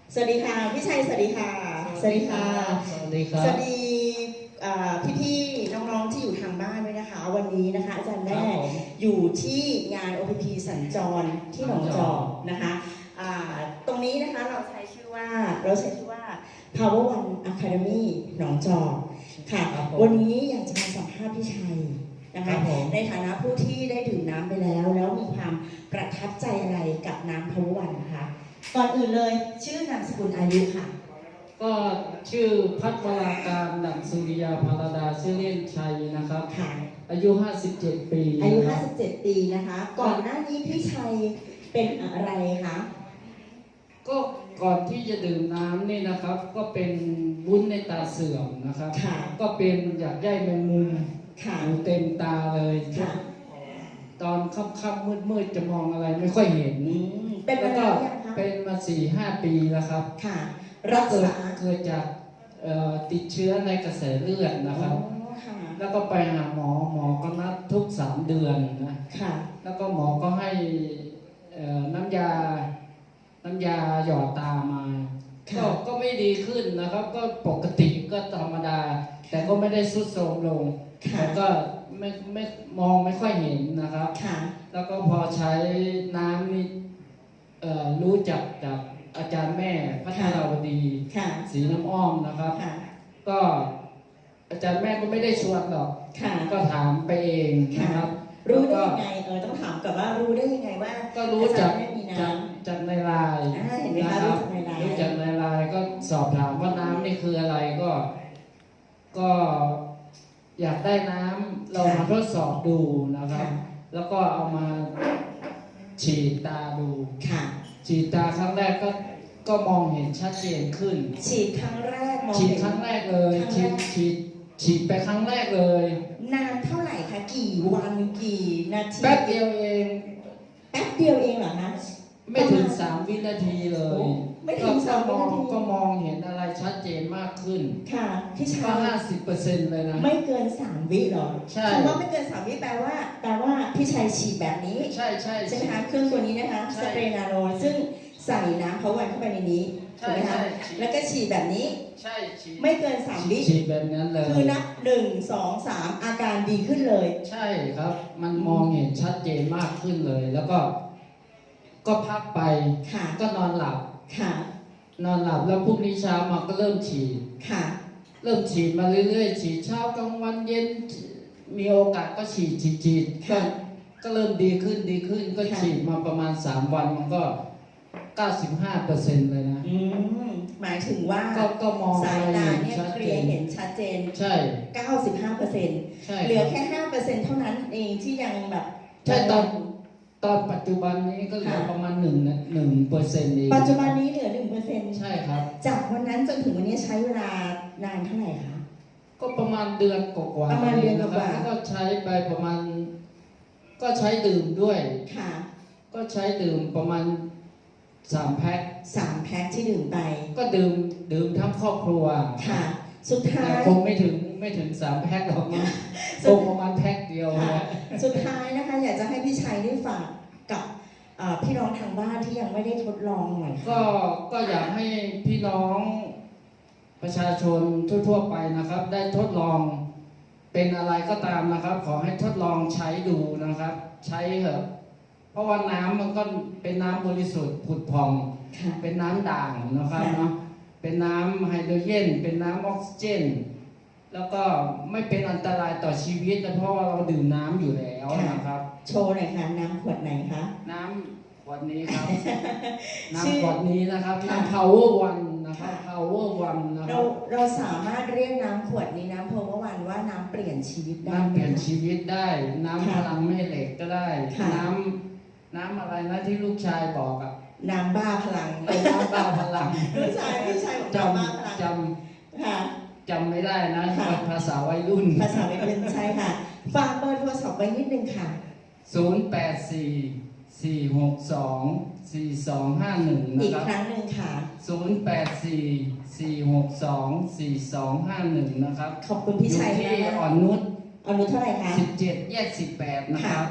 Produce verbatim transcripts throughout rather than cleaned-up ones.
สวัสดีค่ะพี่ชัยสวัสดีค่ะสวัสดีค่ะสวัสดีครับสวัสดีพี่ๆน้องๆที่อยู่ทางบ้านด้วยนะคะวันนี้นะคะอาจารย์แม่อยู่ที่งาน โอ พี พี สัญจรที่หนองจอกนะคะตรงนี้นะคะเราใช้ชื่อว่าเราใช้ชื่อว่า Power One Academy หนองจอกค่ะวันนี้อยากจะมาสัมภาษณ์พี่ชัยนะคะในฐานะผู้ที่ได้ดื่มน้ำไปแล้วแล้วมีความประทับใจอะไรกับน้ำ Power One นะคะก่อนอื่นเลยชื่อนามสกุลอายุค่ะก็ชื่อพัฒวราการดั่งสุริยาภารดาชื่อเล่นชัยนะครับค่ะอายุห้าสิบเจ็ดปีอายุห้าสิบเจ็ดปีนะคะก่อนหน้านี้พี่ชัยเป็นอะไรคะก็ก่อนที่จะดื่มน้ำนี่นะครับก็เป็นวุ้นในตาเสื่อมนะครับก็เป็นอยากใยแมงมุมอยู่เต็มตาเลยตอนค่ำๆมืดๆจะมองอะไรไม่ค่อยเห็นเป็นมาแล้วยังคะเป็นมาสี่ห้าปีแล้วครับค่ะรักษาเกิดจากติดเชื้อในกระแสเลือดนะครับแล้วก็ไปหาหมอหมอก็นัดทุกสามเดือนนะแล้วก็หมอก็ให้น้ำยาน้ำยาหยอดตามาก็ก็ไม่ดีขึ้นนะครับก็ปกติก็ธรรมดาแต่ก็ไม่ได้ทรุดโทรมลงแล้วก็ไม่ไม่มองไม่ค่อยเห็นนะครับแล้วก็พอใช้น้ำนี่รู้จักจากอาจารย์แม่พัฒนาวดีศรีน้ำอ้อมนะครับก็อาจารย์แม่ก็ไม่ได้ชวนหรอกก็ถามไปเองนะครับรู้ได้ยังไงเออต้องถามกับว่ารู้ได้ยังไงว่าก็รู้จากจากจากในไลน์นะครับรู้จากในไลน์ก็สอบถามว่าน้ำนี่คืออะไรก็ก็อยากได้น้ำเรามาทดสอบดูนะครับแล้วก็เอามาฉีดตาดูฉีดตาครั้งแรกก็ก็มองเห็นชัดเจนขึ้นฉีดครั้งแรกมองฉีดครั้งแรกเลยฉีดฉีดฉีดไปครั้งแรกเลยนานเท่าไหร่คะกี่วันกี่นาทีแป๊บเดียวเองแป๊บเดียวเองเหรอคะไม่ถึงสามวินาทีเลยไม่ถึงสามวินาทีก็มองเห็นอะไรชัดเจนมากขึ้นค่ะพี่ชายก็ห้าสิบเปอร์เซ็นต์เลยนะไม่เกินสามวิหรอใช่คำว่าไม่เกินสามวิแปลว่าแปลว่าพี่ชัยฉีดแบบนี้ใช่ใช่ใช่ไหมคะเครื่องตัวนี้นะคะสเปรย์นาโนซึ่งใส่น้ำเขาวันเข้าไปในนี้ถูกไหมคะแล้วก็ฉีดแบบนี้ใช่ฉีดไม่เกินสามวิฉีดแบบนั้นเลยคือนับหนึ่งสองสามอาการดีขึ้นเลยใช่ครับมันมองเห็นชัดเจนมากขึ้นเลยแล้วก็ก็พักไปก็นอนหลับนอนหลับแล้วพรุ่งนี้เช้ามาก็เริ่มฉีดเริ่มฉีดมาเรื่อยๆฉีดเช้ากลางวันเย็นมีโอกาสก็ฉีดฉีดฉีดก็ก็เริ่มดีขึ้นดีขึ้นก็ฉีดมาประมาณสามวันมันก็เก้าสิบห้าเปอร์เซ็นต์เลยนะหมายถึงว่าสายตาเนี่ยเคลียร์เห็นชัดเจนใช่เก้าสิบห้าเปอร์เซ็นต์ เหลือแค่ ห้าเปอร์เซ็นต์ เท่านั้นเองที่ยังแบบใช่ตอนตอนปัจจุบันนี้ก็เหลือประมาณหนึ่งหนึ่งเปอร์เซ็นต์เองปัจจุบันนี้เหลือหนึ่งเปอร์เซ็นต์ใช่ครับจากวันนั้นจนถึงวันนี้ใช้เวลานานเท่าไหร่คะก็ประมาณเดือนกว่าประมาณเดือนกว่าแล้วก็ใช้ไปประมาณก็ใช้ดื่มด้วยค่ะก็ใช้ดื่มประมาณสามแพ็คสามแพ็คที่ดื่มไปก็ดื่มดื่มทั้งครอบครัวค่ะสุดท้ายคงไม่ถึงไม่ถึงสามแพ็คหรอกนะคงประมาณแพ็คเดียวสุดท้ายนะคะอยากจะให้พี่ชัยได้ฝากกับพี่น้องทางบ้านที่ยังไม่ได้ทดลองหน่อยก็ก็อยากให้พี่น้องประชาชนทั่วๆไปนะครับได้ทดลองเป็นอะไรก็ตามนะครับขอให้ทดลองใช้ดูนะครับใช้เถอะเพราะว่าน้ำมันก็เป็นน้ำบริสุทธิ์ผุดผ่องเป็นน้ำด่างนะครับเนาะเป็นน้ำไฮโดรเจนเป็นน้ำออกซิเจนแล้วก็ไม่เป็นอันตรายต่อชีวิตนะเพราะว่าเราดื่มน้ำอยู่แล้วนะครับโชว์หน่อยค่ะน้ำขวดไหนคะน้ำขวดนี้ครับน้ำขวดนี้นะครับน้ำ Power One นะครับ Power One นะครับเราเราสามารถเรียกน้ำขวดนี้น้ำ Power One ว่าน้ำเปลี่ยนชีวิตได้น้ำเปลี่ยนชีวิตได้น้ำพลังแม่เหล็กก็ได้น้ำน้ำอะไรนะที่ลูกชายบอกอะน้ำบ้าพลังน้ำบ้าพลังลูกชายพี่ชายจำจำค่ะจำไม่ได้นะภาษาวัยรุ่นภาษาวัยรุ่นใช่ค่ะฝากเบอร์โทรศัพท์ไว้นิดนึงค่ะศูนย์ แปด สี่ สี่ หก สอง สี่ สอง ห้า หนึ่งนะครับอีกครั้งหนึ่งค่ะศูนย์ แปด สี่ สี่ หก สอง สี่ สอง ห้า หนึ่งนะครับขอบคุณพี่ชัยที่อ่อนนุชอ่อนนุชเท่าไหร่คะสิบเจ็ดแยกสิบแปดนะครับ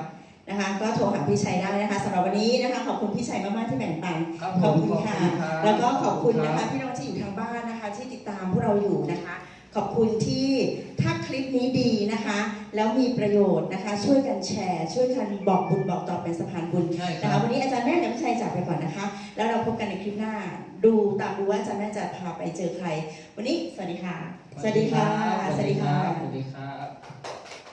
นะคะ ก็โทรหาพี่ชัยได้นะคะสำหรับวันนี้นะคะขอบคุณพี่ชัยมากๆที่แบ่งปันขอบคุณค่ะแล้วก็ขอบคุณนะคะพี่น้องที่อยู่ทางบ้านนะคะที่ติดตามพวกเราอยู่นะคะขอบคุณที่ถ้าคลิปนี้ดีนะคะแล้วมีประโยชน์นะคะช่วยกันแชร์ช่วยกันบอกบุญบอกต่อเป็นสะพานบุญนะคะวันนี้อาจารย์แม่กับพี่ชัยจากไปก่อนนะคะแล้วเราพบกันในคลิปหน้าดูตามดูว่าอาจารย์แม่จะพาไปเจอใครวันนี้สวัสดีค่ะสวัสดีค่ะสวัสดีครับสวัสดีครับ